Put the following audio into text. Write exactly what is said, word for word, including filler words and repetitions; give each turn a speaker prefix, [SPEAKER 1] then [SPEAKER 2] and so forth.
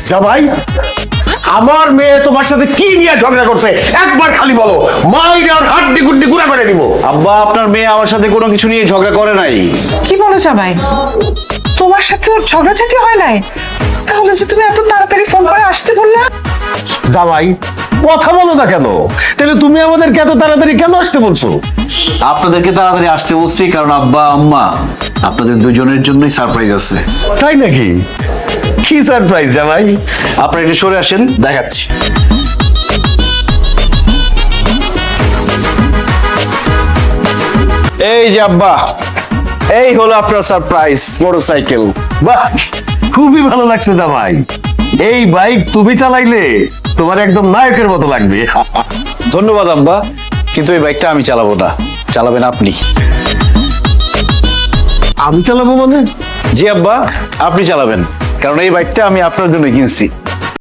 [SPEAKER 1] জামাই, আমার মেয়ে তোমার সাথে কি নিয়ে ঝগড়া করছে একবার খালি বলো, মাইরে আর হাড্ডি গুড্ডি গুড়া করে দিব।
[SPEAKER 2] আব্বা, আপনার মেয়ে আমার সাথে কোনো কিছু নিয়ে ঝগড়া করে নাই।
[SPEAKER 3] কি বলো জামাই, তোমার সাথে ওর ঝগড়াঝাটি হয় নাই? তাহলে যে তুমি এত তাড়াতাড়ি ফোন করে আসতে বললা?
[SPEAKER 1] জামাই, কথা বলো না কেন? তাহলে তুমি আমাদেরকে এত তাড়াতাড়ি কেন আসতে বলছো?
[SPEAKER 2] আপনাদেরকে তাড়াতাড়ি আসতে বলছি কারণ আব্বা আম্মা আপনাদের দুজনের জন্যই সারপ্রাইজ আছে।
[SPEAKER 1] তাই নাকি? কি সারপ্রাইজ জামাই?
[SPEAKER 2] আপনারা একটু সরে আসেন, দেখাচ্ছি। এই যে আব্বা, এই হলো আপনার সারপ্রাইজ মোটরসাইকেল।
[SPEAKER 1] বাহ, খুবই ভালো লাগছে জামাই। এই বাইক তুমি চালাইলে তোমার একদম নায়কের মতো লাগবে।
[SPEAKER 2] ধন্যবাদ আব্বা, কিন্তু এই বাইকটা আমি চালাবো না, চালাবেন আপনি।
[SPEAKER 1] আমি চালাবো মানে?
[SPEAKER 2] জি আব্বা, আপনি চালাবেন, কারণ এই বাইকটা আমি আপনার জন্য কিনছি।